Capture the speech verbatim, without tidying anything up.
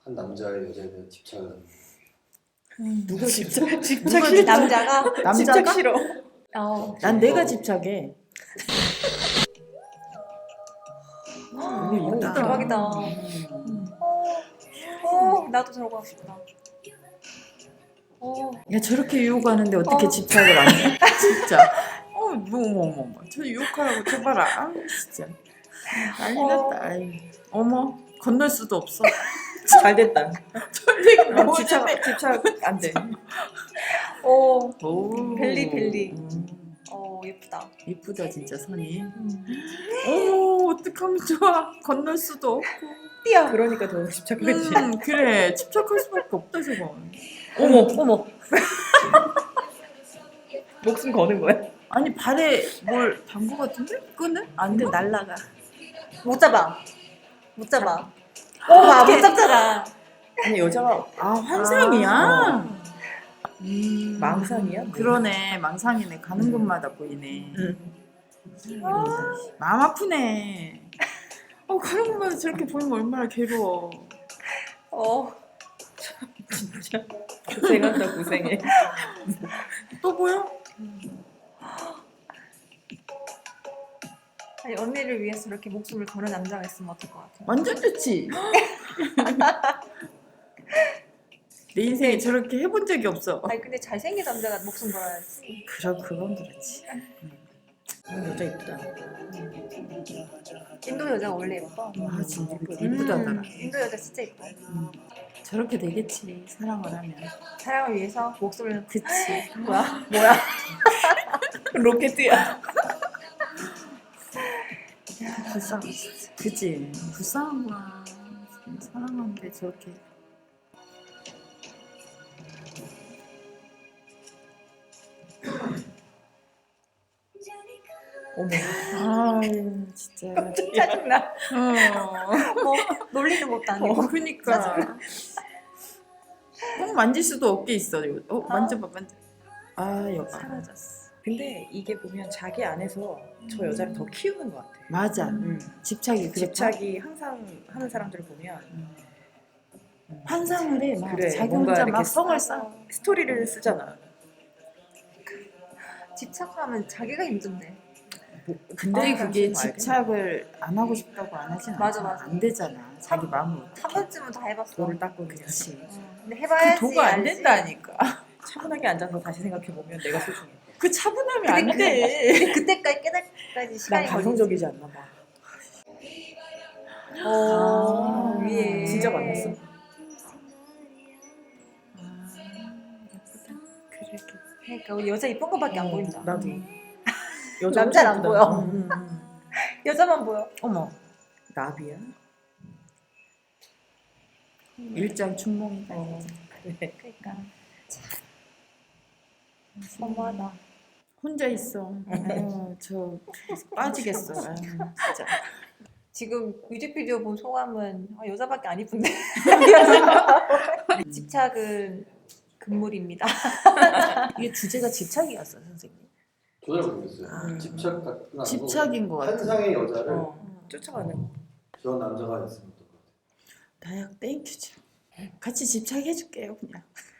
한 남자의 여자에 대한 집착을 하는 음, 누가 집착? 누가 집착 집- 남자가? 남자가? 집착 싫어. 어. 난 내가 집착해. 어, 이거 이쁘다. 대박이다. 음. 어, 나도 저러고 하고 싶다. 어, 야 저렇게 유혹하는데 어떻게 어. 집착을 안 해? 진짜. 어, 뭐, 어머, 어머, 저 유혹하라고 줘봐라. 아, 진짜. 난리 어. 났다. 아이. 어머, 건널 수도 없어. 잘 됐다. 전쟁이 어, 뭐 집착 집착 안 돼. 어, 오. 벨리, 벨리. 음, 어, 예쁘다. 이쁘다 진짜 선이. 음. 어머, 어떡하면 좋아. 건널 수도 없고. 띠야. 그러니까 더 집착하지. 음, 그래. 집착할 수밖에 없다 저거. 어머 어머. 목숨 거는 거야? 아니 발에 뭘 단 거 같은데? 끈을? 안 돼, 날라가. 못 잡아. 못 잡아. 어, 봐, 못 잡잖아. 아니 여자가 아, 환상이야? 아, 음, 망상이야? 그러네. 망상이네. 가는 곳마다 보이네. 응. 마음 아프네. 어, 가는 곳마다 저렇게 보이면 얼마나 괴로워. 어, 진짜 고생한다 고생해. 또 보여? 아니, 언니를 위해서 이렇게 목숨을 거는 남자가 있으면 어떨 것 같아? 완전 좋지. 내 인생에 저렇게 해본 적이 없어. 아니, 근데 잘생긴 남자가 목숨 걸어야지. 그럼 그건 그렇지. 어, 여자 이쁘다. 인도 여자가 원래 예뻐. 아 진짜 이쁘다. 이쁘다더라. 음, 인도 여자 진짜 예뻐. 저렇게 되겠지. 사랑을 하면. 사랑을 위해서 목숨을 그치. 뭐야? 뭐야? 로켓이야. 불쌍. 그치. 불쌍한 거야. 사랑하는데 저렇게. 어머. 아유 진짜. 짜증나. 어. 뭐 놀리는 것도 아니고. 어, 그니까. 꼭 만질 수도 없게 있어. 이거. 어, 만져봐, 만져. 아, 여봐. 사라졌어. 근데 이게 보면 자기 안에서 저 여자를 더 키우는 것 같아. 맞아. 음. 집착이 그렇다. 집착이 항상 하는 사람들을 보면 음. 환상을 해. 막 그래, 자기 뭔가 혼자 이렇게 막 성을 쌓아. 스토리를 쓰잖아. 집착하면 자기가 힘든데. 뭐, 근데 아, 그게 좀 알겠네. 집착을 안 하고 싶다고 안 하진 않아. 맞아, 맞아. 안 되잖아. 자기 마음을. 한 번쯤은 다 해봤어. 돌을 닦고 그냥 그렇지. 어, 근데 해봐야지. 그 도가 안 알지. 된다니까. 차분하게 앉아서 다시 생각해보면 내가 소중해. 그 차분하면 근데 안 돼. 근데 그때까지 깨달까지 난 시간이 감성적이지 않나 봐. 걸리지. 어, 아, 위에. 진짜 만났어? 아, 예쁘다. 그래. 그러니까 우리 여자 이쁜 거밖에 안 보인다. 나도. 남자는 안 예쁘다. 보여. 음, 음, 음. 여자만 보여. 어머. 나비야? 일장춘몽이다. 어. 그래. 그러니까 어머나. 혼자 있어. 어, 저 빠지겠어. 아유, 진짜. 지금 뮤직비디오 본 소감은 아, 여자밖에 안 이쁜데. 집착은 금물입니다. 이게 주제가 집착이었어, 선생님. 전혀 모르겠어요. 아. 집착 같은 거 아니고 집착인 것 같아. 환상의 여자를 어. 쫓아가는. 그런 남자가 있으면 어떨 것 같아요? 다약 땡큐죠. 같이 집착해줄게요, 그냥.